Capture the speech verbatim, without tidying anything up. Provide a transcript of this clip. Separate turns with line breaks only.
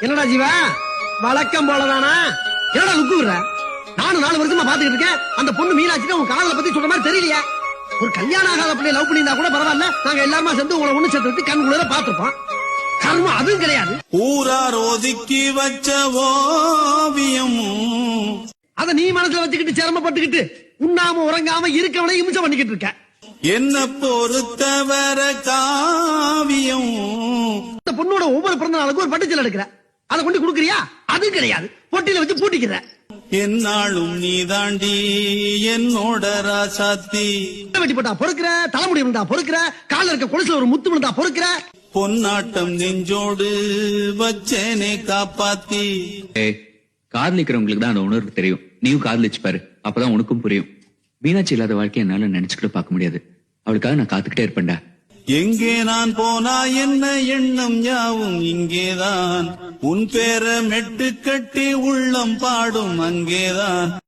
என்னடா ஜீவா வழக்கம் போலதானா? என்னடா லுக்குற? நானும் நாலு வருஷமா பாத்துக்கிட்டு இருக்கேன். அந்த பொண்ணு மீனாட்சி உன் காதலை பத்தி சொல்ற மாதிரி தெரியலையா? ஒரு கல்யாணம் ஆகாத பிள்ளை லவ் பண்ணியிருந்தா கூட பரவாயில்ல, நாங்க எல்லாருமா சேர்ந்து உங்களை ஒண்ணு சேர்த்து வச்சு கண் குளிர பாத்துருப்போம். கர்மம் அதுவும் கிடையாது.
ஊரார் ஒதுக்கி வச்ச ஓவியம்
அத நீ மனசுல வச்சுக்கிட்டு சிரமப்பட்டுக்கிட்டு உண்ணாம உறங்காம இருக்கவனை இம்சம் பண்ணிக்கிட்டு இருக்க.
என்ன பொறுத்தவர காவியம்.
இந்த பொண்ணோட ஒவ்வொரு பிறந்த நாளுக்கு ஒரு பட்டுச்சல் எடுக்கிற, அதை கொண்டு குடுக்கறியா? அதுவும் கிடையாது, பொட்டியில வச்சு பூட்டிக்கிற.
என்னாலும் நீ தாண்டி என்னோட ராசாத்தி.
வெட்டி போட்டா பொறுக்கிற, தலைமுடி இருந்தா பொறுக்கிற, கால இருக்க கொலுசுல ஒரு முத்து விழுந்தா பொறுக்கிற.
பொன்னாட்டம் நெஞ்சோடு வச்சேனே காப்பாத்தி.
காதலிக்கிறவங்களுக்கு தான் அந்த உணர்வு தெரியும். நீயும் காதலிச்சு பாரு, அப்பதான் உனக்கும் புரியும். மீனாட்சி இல்லாத வாழ்க்கையை என்னால நினைச்சுக்கிட்டு பார்க்க முடியாது. அவளுக்காக நான் காத்துக்கிட்டே இருப்பேன்டா.
எங்கே நான் போனா என்ன எண்ணம் யாவும் இங்கேதான். உன் பேர மெட்டு கட்டி உள்ளம் பாடும் அங்கேதான்.